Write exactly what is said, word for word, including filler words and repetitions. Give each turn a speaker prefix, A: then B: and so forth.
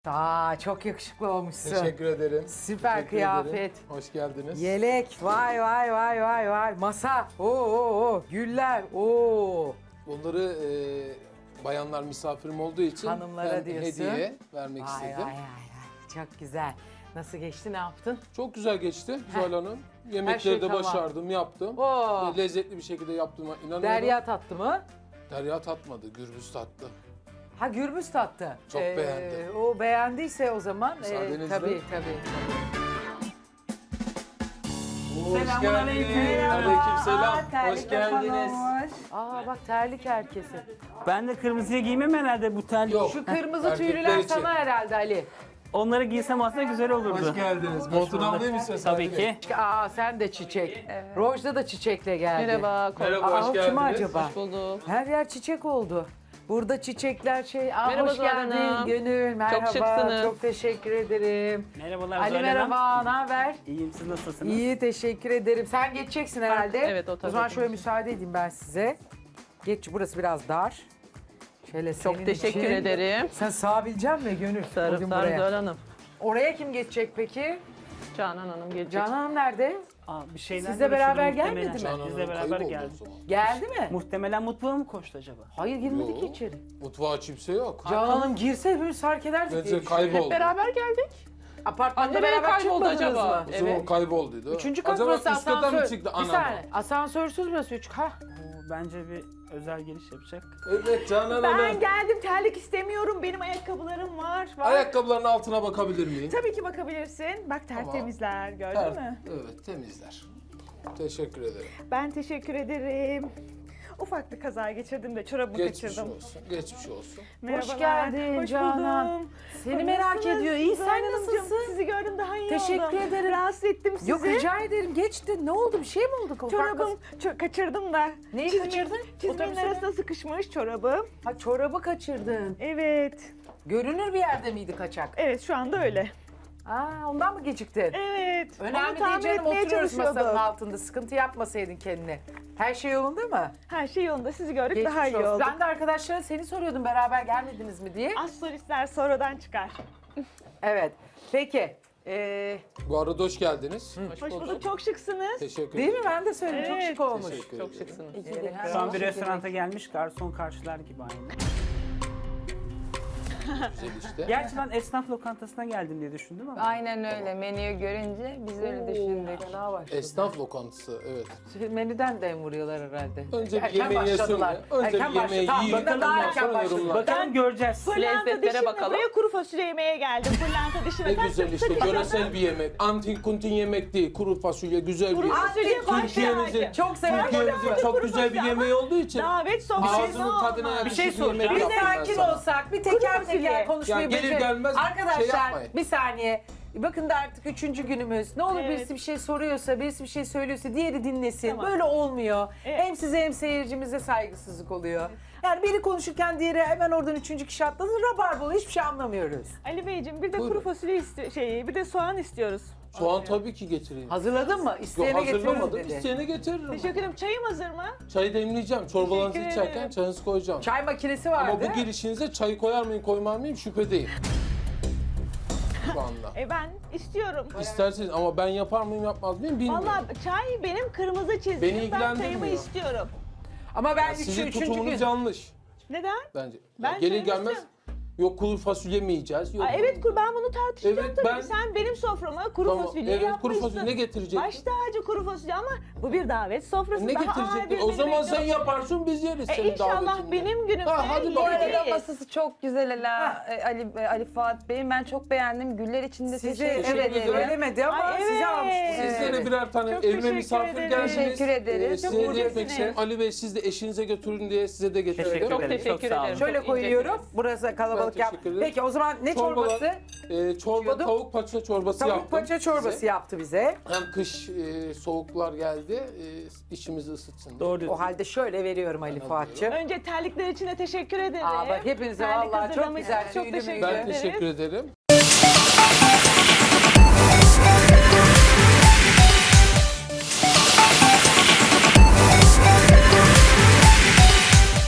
A: Aa, çok yakışıklı olmuşsun.
B: Teşekkür ederim.
A: Süper
B: Teşekkür
A: kıyafet.
B: ederim. Hoş geldiniz.
A: Yelek, vay vay vay vay vay. Masa, oo oo oo. Güller, oo.
B: Bunları e, bayanlar misafirim olduğu için
A: Hanımlara
B: ben
A: diyorsun.
B: hediye vermek
A: Vay
B: istedim.
A: vay vay vay. Çok güzel. Nasıl geçti, ne yaptın?
B: Çok güzel geçti Zuhal Hanım. Yemekleri
A: şey
B: de
A: tamam.
B: başardım, yaptım.
A: Oo.
B: Ve lezzetli bir şekilde yaptığıma inanıyorum.
A: Derya tattı mı?
B: Derya tatmadı, Gürbüz tattı.
A: Ha, Gürbüz tattı.
B: Çok beğendi.
A: O beğendiyse o zaman.
B: Müsaadenizle.
A: E, tabii tabii.
B: Hoş
A: Selamünaleyküm.
B: geldiniz. Aleykümselam.
A: Aa, terlik
B: Hoş geldiniz.
A: yapan Aa bak, terlik herkesi.
C: Ben de kırmızıya giymem herhalde bu tel.
B: Yok.
A: Şu kırmızı
B: Erkekler
A: tüylüler
B: için.
A: sana herhalde Ali.
C: Onları giysem aslında güzel olurdu.
B: Hoş geldiniz. Montunu alayım istiyorsan.
C: Tabii ki.
A: Aa, sen de çiçek. Rojda da çiçekle geldi.
D: Merhaba.
B: Merhaba,
A: Aa,
B: hoş
A: o
B: geldiniz.
A: kim acaba?
D: Hoş bulduk.
A: Her yer çiçek oldu. Burada çiçekler şey. Aa,
D: Merhaba
A: hoş
D: Zuhal
A: geldin
D: Hanım.
A: Gönül. Merhaba.
D: şıksınız.
A: Çok teşekkür ederim.
C: Merhabalar
A: Ali
C: Zuhal Hanım.
A: merhaba. Ne haber?
C: İyiyim, siz nasılsınız?
A: İyi, teşekkür ederim. Sen geçeceksin herhalde.
D: Evet, o
A: O zaman
D: tabii.
A: şöyle müsaade edeyim ben size. Geç, burası biraz dar. Şöyle senin
D: Çok teşekkür
A: için.
D: ederim.
A: Sen sığabilecek misin Gönül?
D: Sarı
A: Bugün
D: Sarı
A: buraya.
D: Zuhal Hanım.
A: Oraya kim geçecek peki?
D: Canan Hanım gelecek.
A: Canan Hanım nerede?
C: Aa, bir şeyler
A: Sizle beraber
C: görüşürdüm
A: gelmedi mi?
C: muhtemelen.
B: Canan
C: Bizle
B: Hanım
C: beraber
B: kayboldu
C: geldi.
B: o zaman.
A: Geldi mi?
C: Muhtemelen mutfağa mı koştu acaba?
A: Hayır, girmedi ki
B: Yok.
A: içeri.
B: Mutfağa kimse yok.
A: Canan Hanım girse hepimiz fark ederdik diye
B: Bence
A: düşünüyorum.
B: kayboldu.
D: Hep beraber geldik.
A: Apartmanda
D: Nereye
A: beraber
D: kayboldu
A: çıkmadınız
D: acaba?
A: mı?
B: O zaman
D: Evet.
B: kaybolduydu.
A: Üçüncü kat
B: Acaba
A: burası
B: üst kata
A: asansör.
B: mı çıktı?
A: Bir
B: Anam.
A: saniye. Asansörsüz burası üç. Ha.
C: Oo, bence bir özel giriş yapacak.
B: Evet Canan
E: Ben
B: Hanım.
E: geldim, terlik istemiyorum. Benim ayakkabılarım var. var.
B: Ayakkabıların altına bakabilir miyim?
E: Tabii ki bakabilirsin. Bak tertemizler, gördün
B: Ter-
E: mü?
B: Evet, temizler. Teşekkür ederim.
E: Ben teşekkür ederim. Ufak bir kaza geçirdim de çorabımı
B: Geçmiş
E: kaçırdım.
B: olsun, geçmiş olsun.
E: Merhabalar.
A: geldin
E: Hoş
A: Canan.
E: buldum.
A: Seni merak
E: Nasılsınız?
A: ediyor. İyi,
E: Zuhal
A: sen
E: Hanımcığım,
A: nasılsın?
E: Sizi gördüm, daha iyi
A: Teşekkür
E: oldum.
A: ederim.
E: Rahatsız ettim sizi.
A: Yok, rica ederim. Geçti. Ne oldu? Bir şey mi oldu? Ufak
E: Çorabım ço- kaçırdım da.
A: Neyi
E: Çizmin-
A: kaçırdın?
E: Çizmenin
A: Otobüste mi?
E: arasına sıkışmış çorabım.
A: Ha, çorabı kaçırdın.
E: Evet.
A: Görünür bir yerde miydi kaçak?
E: Evet, şu anda öyle.
A: Aa, ondan mı geciktin?
E: Evet.
A: Önemli
E: Onu
A: değil
E: tamir
A: canım.
E: etmeye
A: Oturuyoruz masanın
E: çalışıyorduk.
A: altında. Sıkıntı yapmasaydın kendine. Her şey yolunda mı?
E: Her şey yolunda. Sizi gördük,
A: Geçmiş
E: daha iyi
A: olsun.
E: olduk.
A: Ben de arkadaşlara seni soruyordum. Beraber gelmediniz mi diye.
E: Az solistler sonradan çıkar.
A: Evet. Peki. Ee,
B: Bu arada hoş geldiniz.
E: Hoş bulduk, çok şıksınız.
B: Teşekkür
A: değil
B: ederim.
A: mi? Ben de söyledim. Çok
E: Evet.
A: şık olmuş.
B: Teşekkür
D: Çok
B: ederim.
D: şıksınız.
C: Şu an bir restoranta gelmiş, garson karşılar gibi aynı.
B: Güzel işte.
C: Gerçi ben esnaf lokantasına geldim diye düşündüm ama.
F: Aynen öyle. Menüyü görünce biz öyle düşündük.
A: Fena başladı.
B: Esnaf lokantası, evet.
A: Menüden de vuruyorlar herhalde.
B: Önce bir
A: Erken
B: yemeği yesin
A: başladılar.
B: de. Önce
A: Erken
B: bir yemeği
A: başladı.
B: yiyin.
A: Tamam, daha
B: ondan
A: erken
B: sonra
A: başladı.
B: yorumlar.
C: Bakalım göreceğiz.
E: Pırlanta
D: Lezzetlere
E: dişine
D: bakalım.
E: buraya kuru fasulye yemeye geldim. Pırlanta dişine.
B: Ne
E: Tak,
B: güzel
E: tak,
B: işte,
E: tak, tak.
B: yöresel bir yemek. Antin kuntin yemek değil, kuru fasulye güzel
E: Kuru
B: bir
E: fasulye baş
B: Türkiye'mizin,
E: tacı.
A: Çok severim.
B: Türkiye'mizin çok güzel bir yemeği olduğu için
E: Davet sofrası.
B: ağzının tadına
A: Bir
B: yakışır
A: şey
B: bir yemek
A: soracağım. Bir
B: yaptım ben
A: sakin
B: sana.
A: olsak, bir teker
E: fasulye.
A: teker konuşmayı
B: Ya gelir
A: becerelim.
B: gelmez
A: Arkadaşlar
B: şey yapmayın.
A: bir saniye. Bakın da artık üçüncü günümüz. Ne olur
E: Evet.
A: birisi bir şey soruyorsa, birisi bir şey söylüyorsa diğeri dinlesin.
E: Tamam.
A: Böyle olmuyor.
E: Evet.
A: Hem size hem seyircimize saygısızlık oluyor. Yani biri konuşurken diğeri hemen oradan üçüncü kişi atladı. Rabarbalı, hiçbir şey anlamıyoruz.
E: Ali Beyciğim bir de
B: Buyurun.
E: kuru fasulye isti şey, bir de soğan istiyoruz.
B: Soğan tabii ki getireyim.
A: Hazırladın mı?
B: Yok,
A: İsteyene getiriyoruz
B: hazırlamadım.
A: dedi.
B: İsteyene getiririm.
E: Teşekkür ederim. Çayım hazır mı?
B: Çayı demleyeceğim. Çorbalarınızı
E: Teşekkür
B: içerken
E: ederim.
B: çayınızı koyacağım.
A: Çay makinesi vardı.
B: Ama bu girişinize çayı koyar mıyım koymar mıyım şüphedeyim. Şu anda.
E: E ben istiyorum.
B: İsterseniz ama ben yapar mıyım yapmaz mıyım bilmiyorum.
E: Vallahi çay benim kırmızı çizgim.
B: Beni
E: Ben
B: ilgilendirmiyor.
E: çayımı istiyorum.
A: Ama ben
B: Yani
A: üçü,
B: sizin
A: üçüncü gün...
B: tutumunuz yanlış
E: Neden?
B: bence.
E: Ben
B: Ya gelir
E: çayımı
B: gelmez
E: istiyorum.
B: yok kuru fasulye mi yiyeceğiz? Yok.
E: Aa, evet kur ben bunu tartışacağım
B: Evet,
E: tabii.
B: ben-
E: Sen benim soframa kuru
B: Tamam,
E: fasulye
B: evet, kuru
E: yapmışsın.
B: fasulye ne getirecektin?
E: Baş tacı kuru fasulye ama bu bir davet sofrası.
B: Ne
E: Daha ağır
B: getirecektin?
E: bir
B: O
E: menü
B: zaman sen
E: bekliyorum.
B: yaparsın biz yeriz
E: E,
B: senin
E: İnşallah
B: davetinde.
E: benim günümde
B: Ha, hadi
E: yeri
B: bakalım.
F: Bu arada
E: değil.
F: masası çok güzel Ela, e, Ali, e, Ali Fuat Bey'in. Ben çok beğendim. Güller içinde
A: Sizi
F: teşekkür
A: evet
F: ederim.
A: söylemedi ama
E: Ay,
A: size
E: evet.
A: almıştınız.
B: Sizlere
A: Evet.
B: birer tane
E: Çok
B: evime
E: teşekkür
B: misafir
E: ederim.
B: geldiniz.
F: Teşekkür ederiz.
B: Ee,
E: Çok
B: size de
E: incesiniz.
B: etmek isterim. Ali Bey siz de eşinize götürün diye size de getirdim.
C: Teşekkür
D: Çok
C: ederim.
D: teşekkür
C: sağ olun.
D: ederim.
A: Şöyle
D: Çok
A: koyuyorum.
D: incesiniz.
A: Burası kalabalık
B: Ben
A: yap.
B: teşekkür ederim.
A: Peki o zaman ne
B: Çorbalar-
A: çorbası?
B: Ee, çorba
A: İçiyordum.
B: tavuk paça çorbası
A: Tavuk
B: yaptım.
A: paça çorbası
B: size.
A: yaptı bize.
B: Hem kış e, soğuklar geldi, e, içimizi ısıtsın diye.
C: Doğru
A: O
C: diyorsun.
A: halde şöyle veriyorum Ali
B: Ben
A: Fuat'cığım.
E: Önce terlikler için de teşekkür ederim.
A: Aa bak hepinize
E: Terlik
A: vallahi çok
E: hazırlamışsınız.
A: güzel.
E: Çok
A: tüylü
E: teşekkür
A: müydü?
B: Ben
E: ederiz.
B: teşekkür ederim.